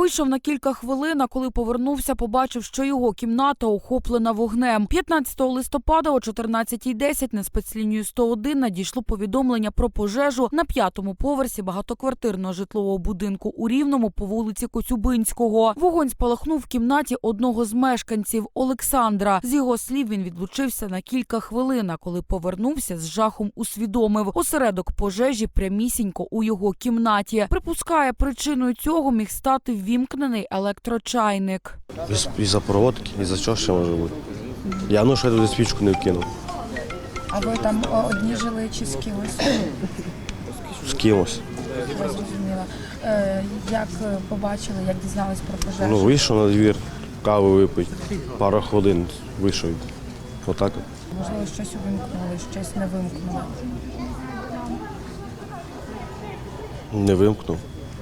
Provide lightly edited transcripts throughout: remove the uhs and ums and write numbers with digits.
Вийшов на кілька хвилин, а коли повернувся, побачив, що його кімната охоплена вогнем. 15 листопада о 14:10 на спецлінію 101 надійшло повідомлення про пожежу на 5-му поверсі багатоквартирного житлового будинку у Рівному по вулиці Коцюбинського. Вогонь спалахнув в кімнаті одного з мешканців Олександра. З його слів, він відлучився на кілька хвилин, а коли повернувся, з жахом усвідомив – осередок пожежі прямісінько у його кімнаті. Припускає, причиною цього міг стати ввімкнений електрочайник. Із-за проводки, із-за чого ще може бути. Я що я туди свічку не вкинув. А ви там одні жили чи з кимось? З кимось. Я зрозуміла. Як побачили, як дізнались про пожежу? Вийшов на двір, каву випити, пару хвилин вийшов. Отак. Можливо, щось увімкнули, щось не вимкнули. Не вимкнув.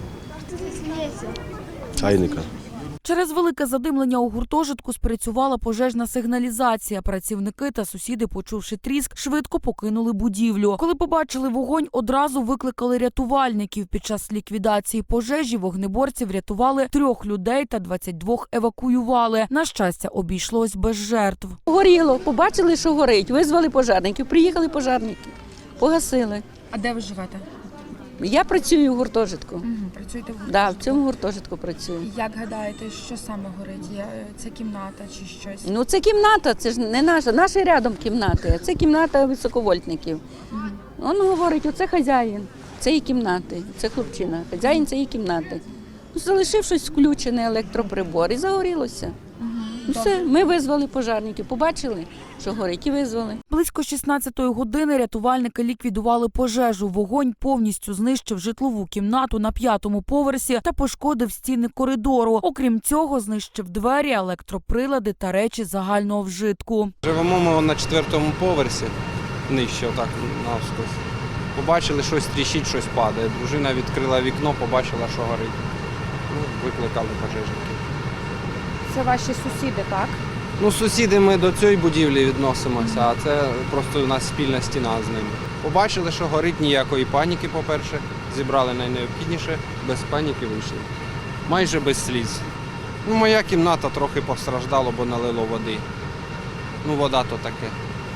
Чайника. Через велике задимлення у гуртожитку спрацювала пожежна сигналізація. Працівники та сусіди, почувши тріск, швидко покинули будівлю. Коли побачили вогонь, одразу викликали рятувальників. Під час ліквідації пожежі вогнеборці врятували 3 людей та 22 евакуювали. На щастя, обійшлось без жертв. Горіло, побачили, що горить, визвали пожежників, приїхали пожежники, погасили. А де ви живете? Я працюю в гуртожитку. Працюєте в гуртожитку? Да, в цьому гуртожитку працюю. Як гадаєте, що саме горить? Це кімната чи щось? Ну, це кімната, це ж не наша рядом кімнати, це кімната високовольтників. Він говорить, оце хазяїн цієї кімнати, це хлопчина, хазяїн цієї кімнати. Ну, залишив щось включене, електроприбор, і загорілося. Ну, все, ми визвали пожежників, побачили, що горить, і визвали. Близько 16-ї години рятувальники ліквідували пожежу. Вогонь повністю знищив житлову кімнату на 5-му поверсі та пошкодив стіни коридору. Окрім цього, знищив двері, електроприлади та речі загального вжитку. Живемо ми на 4-му поверсі, нижче, отак навскось. Побачили, щось тріщить, щось падає. Дружина відкрила вікно, побачила, що горить. Викликали пожежників. Це ваші сусіди, так? Сусіди ми до цієї будівлі відносимося, а це просто у нас спільна стіна з ними. Побачили, що горить, ніякої паніки, по-перше, зібрали найнеобхідніше, без паніки вийшли. Майже без сліз. Моя кімната трохи постраждала, бо налило води. Вода то таке.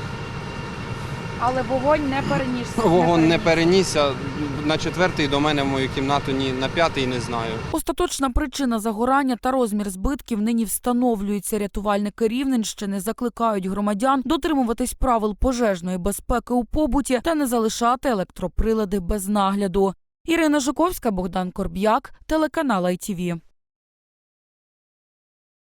Але вогонь не перенісся. Вогонь не перенісся. На 4-й до мене в мою кімнату, ні на 5-й не знаю. Остаточна причина загорання та розмір збитків нині встановлюється. Рятувальники Рівненщини закликають громадян дотримуватись правил пожежної безпеки у побуті та не залишати електроприлади без нагляду. Ірина Жуковська, Богдан Корб'як, телеканал ITV.